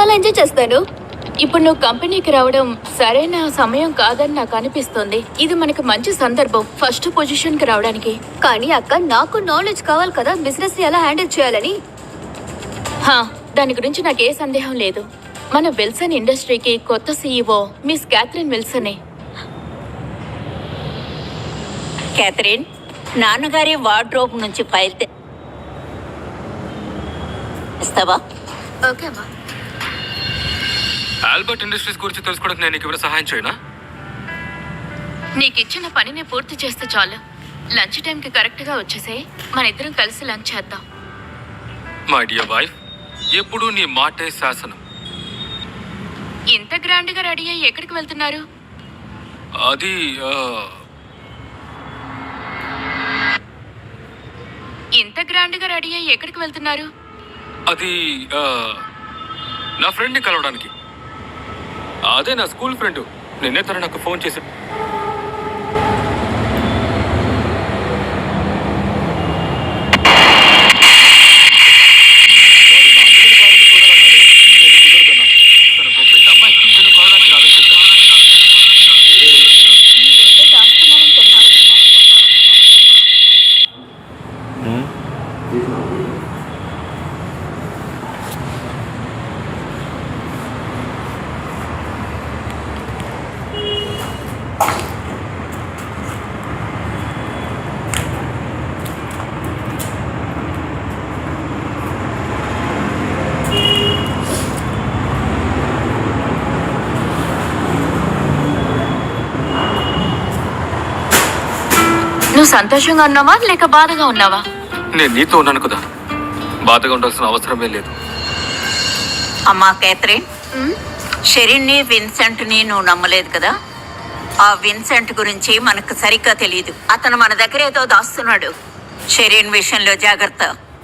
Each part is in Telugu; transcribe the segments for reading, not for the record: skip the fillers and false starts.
చాలా ఎంజాయ్ చేస్తాను. ఇప్పుడు నువ్వు కంపెనీకి రావడం సరైన సమయం కాదని నాకు అనిపిస్తుంది. ఇది మనకి మంచి సందర్భం ఫస్ట్ పొజిషన్ కి రావడానికి. కానీ అక్క, నాకు నాలెడ్జ్ కావాలి కదా బిజినెస్ ని ఎలా హ్యాండిల్ చేయాలని. దాని గురించి నాకే సందేహం లేదు. మన విల్సన్ ఇండస్ట్రీకి కొత్త సీఈఓ మిస్ క్యాథరిన్ విల్సనే. క్యాథరిన్, నాన్నగారి వార్డ్రోబ్ నుంచి ఫైల్ తెస్తావా? ఓకే అమ్మా. ఆల్బర్ట్ ఇండస్ట్రీస్ గురించి తెలుసుకోవడానికి నేను నీకు సహాయం చేయనా? నీకు ఇచ్చిన పనిని పూర్తి చేస్తే చాలు. లంచ్ టైంకి కరెక్ట్గా వచ్చేసే, మన ఇద్దరం కలిసి లంచ్ చేద్దాం. మై డియర్ వైఫ్, ఎప్పుడు నీ మాటే శాసనం. ఇంత గ్రాండ్గా రెడీ అయ్యి ఎక్కడికి వెళ్తున్నారు? అది ఇంత గ్రాండ్గా రెడీ అయ్యి ఎక్కడికి వెళ్తున్నారు? అది నా ఫ్రెండ్ని కలవడానికి. అదే నా స్కూల్ ఫ్రెండ్. నిన్నే తను నాకు ఫోన్ చేశాడు. నువ్వు సంతోషంగా ఉన్నావా లేక బాధగా ఉన్నావా? నేను నీతో ఉన్నాను కదా, బాధగా ఉండాల్సిన అవసరమే లేదు. అమ్మా క్యాథరిన్, షెరిన్ని విన్సెంట్ని నువ్వు నమ్మలేదు కదా? ఆ విన్సెంట్ గురించి మనకు సరిగ్గా తెలియదు. అతను మన దగ్గర ఏదో దాస్తున్నాడు. షెరిన్ విషయంలో జాగ్రత్త.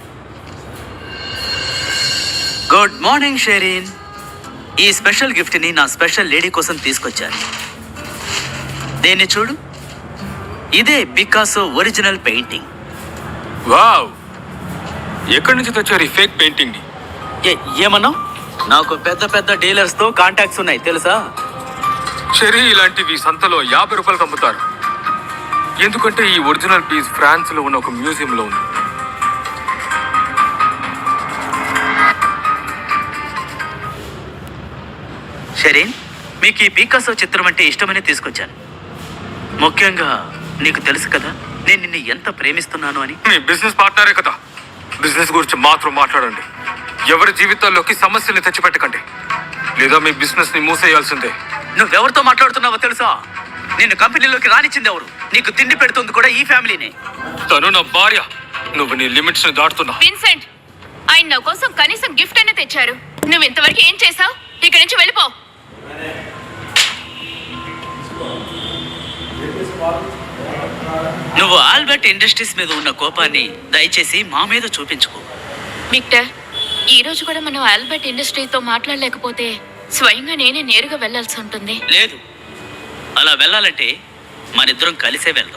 Good morning Sherin. ఈ స్పెషల్ గిఫ్ట్ని నా స్పెషల్ లేడీ కోసం తీసుకొచ్చాను. దీన్ని చూడు, ఇదే పికాసో ఒరిజినల్ పెయింటింగ్. వావ్, ఎక్కడి నుంచి తెచ్చారు ఈ ఫేక్ పెయింటింగ్ ని? ఏమన్నావు? నాకు పెద్ద పెద్ద డీలర్స్ తో కాంటాక్ట్స్ ఉన్నాయి తెలుసా? చెరీ ఇలాంటివి సంతలో 50 రూపాయలకు అమ్ముతారు. ఎందుకంటే ఈ ఒరిజినల్ పీస్ ఫ్రాన్స్ లో ఉన్న ఒక మ్యూజియం లో ఉంది. షెరిన్, మీకు ఈ పికాసో చిత్రం అంటే ఇష్టమని తీసుకొచ్చాను. ముఖ్యంగా నీకు తెలుసు కదా నేను నిన్ను ఎంత ప్రేమిస్తున్నాను అని. మీ బిజినెస్ పార్ట్నరే కదా, బిజినెస్ గురించి మాత్రం మాట్లాడండి. ఎవరి జీవితాల్లోకి సమస్యల్ని తెచ్చిపెట్టకండి, లేదా మీ బిజినెస్ ని మూసేయాల్సిందే. నువ్వెవరితో మాట్లాడుతున్నావో తెలుసా? నిన్ను కంపెనీలోకి రానిచ్చింది ఎవరు? నీకు తిండి పెడుతుంది కూడా ఈ ఫ్యామిలీనే. తను నా భార్య. నువ్వు నీ లిమిట్స్ ని దాటుతున్నా. విన్సెంట్, ఆయన నా కోసం కనీసం గిఫ్ట్ అయినా తెచ్చారు. నువ్వు ఇంతవరకు ఏం చేసావు? ఇక్కడి నుంచి వెళ్ళిపో. నువ్వు ఆల్బర్ట్ ఇండస్ట్రీస్ మీద ఉన్న కోపాన్ని దయచేసి మా మీద చూపించుకో. విక్టర్, ఈ రోజు కూడా మనం ఆల్బర్ట్ ఇండస్ట్రీతో మాట్లాడలేకపోతే స్వయంగా నేనే నేరుగా వెళ్లాల్సి ఉంటుంది. లేదు, అలా వెళ్ళాలంటే మనిద్దరం కలిసే వెళ్దాం.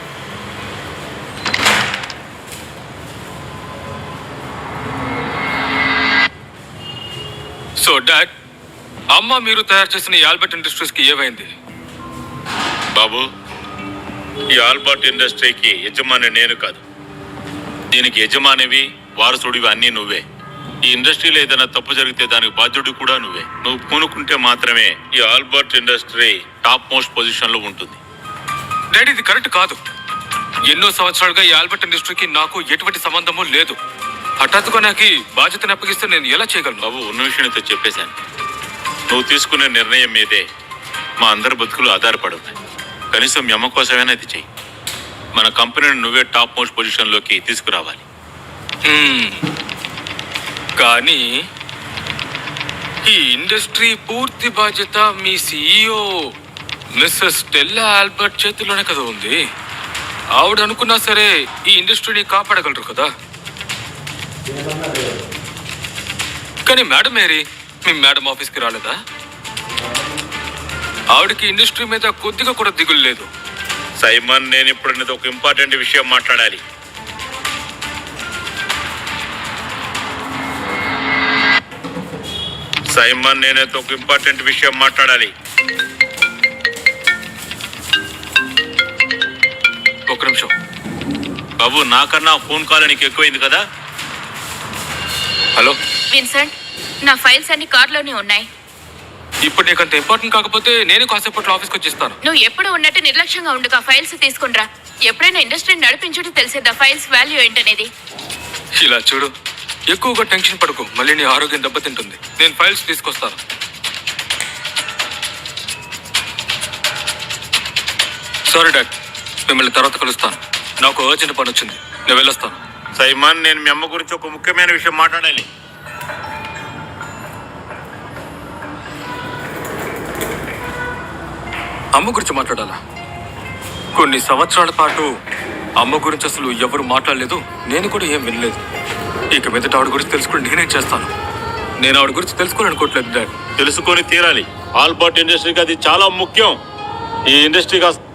సో డాడ్, అమ్మ మీరు తయారు చేసిన ఈ ఆల్బర్ట్ ఇండస్ట్రీస్ కి ఏమైంది? బాబు, ఈ ఆల్బర్ట్ ఇండస్ట్రీకి యజమాని నేను కాదు. దీనికి యజమానివి, వారసుడివి అన్నీ నువ్వే. ఈ ఇండస్ట్రీలో ఏదైనా తప్పు జరిగితే దానికి బాధ్యుడు కూడా నువ్వే. నువ్వు పూనుకుంటే మాత్రమే ఈ Albert industry top most position లో ఉంటుంది. డాడీ, ఇది కరెక్ట్ కాదు. ఎన్నో సంవత్సరాలుగా ఈ ఆల్బర్ట్ ఇండస్ట్రీకి నాకు ఎటువంటి సంబంధము లేదు. హఠాత్తుగా నాకు బాధ్యతను అప్పగిస్తే నేను ఎలా చేయగలను? బాబు, ఉన్న విషయంతో చెప్పేశాను. నువ్వు తీసుకునే నిర్ణయం మీదే మా అందరి బతుకులు ఆధారపడి ఉన్నాయి. కనీసం మీ అమ్మ కోసమైనా ఇది చెయ్యి. మన కంపెనీని నువ్వే టాప్ మోస్ట్ పొజిషన్లోకి తీసుకురావాలి. కానీ ఈ ఇండస్ట్రీ పూర్తి బాధ్యత మీ సిఇఓ మిస్సెస్ స్టెల్లా ఆల్బర్ట్ చేతిలోనే కదా ఉంది. ఆవిడ అనుకున్నా సరే ఈ ఇండస్ట్రీని కాపాడగలరు కదా. కానీ మేడం మేరీ, మీ మేడం ఆఫీస్కి రాలేదా? ఆవిడకి ఇండస్ట్రీ మీద కొద్దిగా కూడా దిగులు లేదు. సైమన్, నేను ఇప్పుడు నీతో ఒక ఇంపార్టెంట్ విషయం మాట్లాడాలి. సైమన్ నేనైతే ఒక ఇంపార్టెంట్ విషయం మాట్లాడాలి. ఒక నిమిషం. బాబు, నాకన్నా ఫోన్ కాల్ నీకు ఎక్కువైంది కదా. హలో, విన్సెంట్, నా ఫైల్స్ అన్ని కార్లోనే ఉన్నాయి. ఇప్పుడు నీకు అంత ఇంపార్టెంట్ కాకపోతే నేను కాసేపట్లో ఆఫీస్కి వచ్చేస్తాను. నువ్వు ఎప్పుడు ఉన్నట్టు నిర్లక్ష్యంగా ఉండుగా ఫైల్స్ తీసుకునిరా. ఎప్పుడైనా ఇండస్ట్రీని నడిపించుంటే తెలిసేదా ఫైల్స్ వాల్యూ ఏంటనేది. ఇలా చూడు, ఎక్కువగా టెన్షన్ పడకు, మళ్ళీ నీ ఆరోగ్యం దెబ్బతింటుంది. నేను ఫైల్స్ తీసుకొస్తాను. సారీ డాడ్, మిమ్మల్ని తర్వాత కలుస్తాను. నాకు అర్జెంట్ పని వచ్చింది, నేను వెళ్ళొస్తాను. సైమన్, నేను మీ అమ్మ గురించి ఒక ముఖ్యమైన విషయం మాట్లాడాలి. అమ్మ గురించి మాట్లాడాలా? కొన్ని సంవత్సరాల పాటు అమ్మ గురించి అసలు ఎవరు మాట్లాడలేదు, నేను కూడా ఏం వినలేదు. ఇక మీదట ఆవిడ గురించి తెలుసుకుని నేనేం చేస్తాను? నేను ఆవిడ గురించి తెలుసుకోవాలనుకోవట్లేదు డాడ్. తెలుసుకొని తీరాలి. ఆల్బర్ట్ ఇండస్ట్రీకి అది చాలా ముఖ్యం. ఈ ఇండస్ట్రీ